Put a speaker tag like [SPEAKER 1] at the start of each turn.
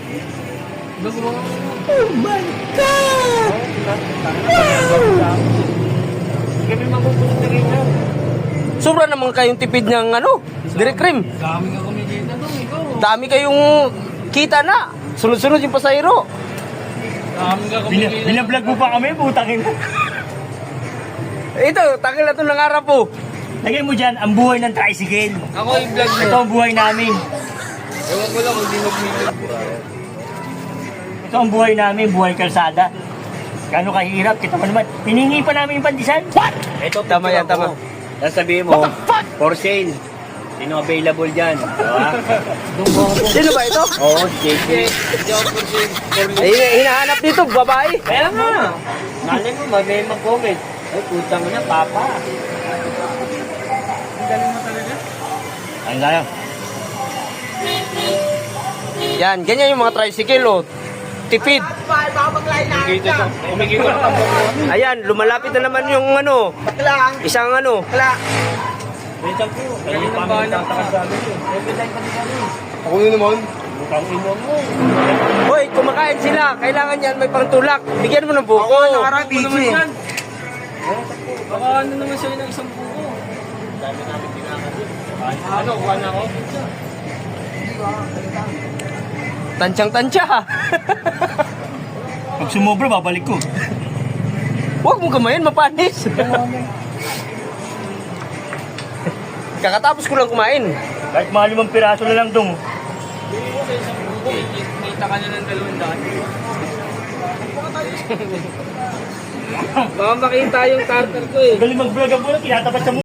[SPEAKER 1] Oh my God!
[SPEAKER 2] Kami magugulat na ganyan.
[SPEAKER 3] Sobra naman kayong tipid ng ano, direct cream.
[SPEAKER 2] Dami ka kumikita doon, ikaw.
[SPEAKER 3] Dami kayong kita na. Sunod-sunod yung pasahero.
[SPEAKER 2] Dami ka kumikita.
[SPEAKER 1] Binablog mo pa kami, putang ina.
[SPEAKER 3] Ito, takil na ito ng harap po.
[SPEAKER 1] Lagay mo dyan, ang buhay ng tricycle.
[SPEAKER 2] Ako yung vlog mo.
[SPEAKER 1] Ito ang buhay namin.
[SPEAKER 2] Ewan ko lang kung di mag-video.
[SPEAKER 1] Ito ang buhay namin, buhay kalsada. Gano'ng kahirap, kita mo naman. Hiningi pa namin yung pandisan. What?
[SPEAKER 2] Ito,
[SPEAKER 3] Tama yan, tama.
[SPEAKER 2] Tapos sabihin mo, for sale. Sino available dyan? Diba?
[SPEAKER 3] Sino ba ito?
[SPEAKER 2] Oo, JJ.
[SPEAKER 3] Hinahanap dito, babae.
[SPEAKER 2] Kaya nga. Nalin mo, may mag-comment. Ay, putang na, papa. Ang galing mo talaga.
[SPEAKER 1] Ayun tayo.
[SPEAKER 3] Yan, ganyan yung mga tricycle, oh. Tipid.
[SPEAKER 2] Kumikita siya. Kumikita na tambok mo.
[SPEAKER 3] Ayan, lumalapit na naman yung ano, isang ano.
[SPEAKER 2] Wait lang po. Kaya pa kami nagtatakas sa amin. Every time pa din kami.
[SPEAKER 1] Ako yun naman.
[SPEAKER 2] Bukang ino mo.
[SPEAKER 3] Hoy, kumakain sila. Kailangan yan may pangtulak. Bigyan mo ng buko.
[SPEAKER 2] Baka ano naman sa'yo ng isang buko. Dami namin pinakasin. Ano, kuha na ako?
[SPEAKER 3] Tansyang-tansya.
[SPEAKER 1] Pag sumobra, babalik ko.
[SPEAKER 3] Huwag mo kamayan, mapanis. Kakatapos ko lang kumain.
[SPEAKER 1] Kahit mga 5 piraso na lang dong.
[SPEAKER 2] Bili mo sa isang buko. Kita ka na ng 200. Baka makita yung tartar ko eh.
[SPEAKER 1] Galing mag-vlog ang bulan, kinatapat sa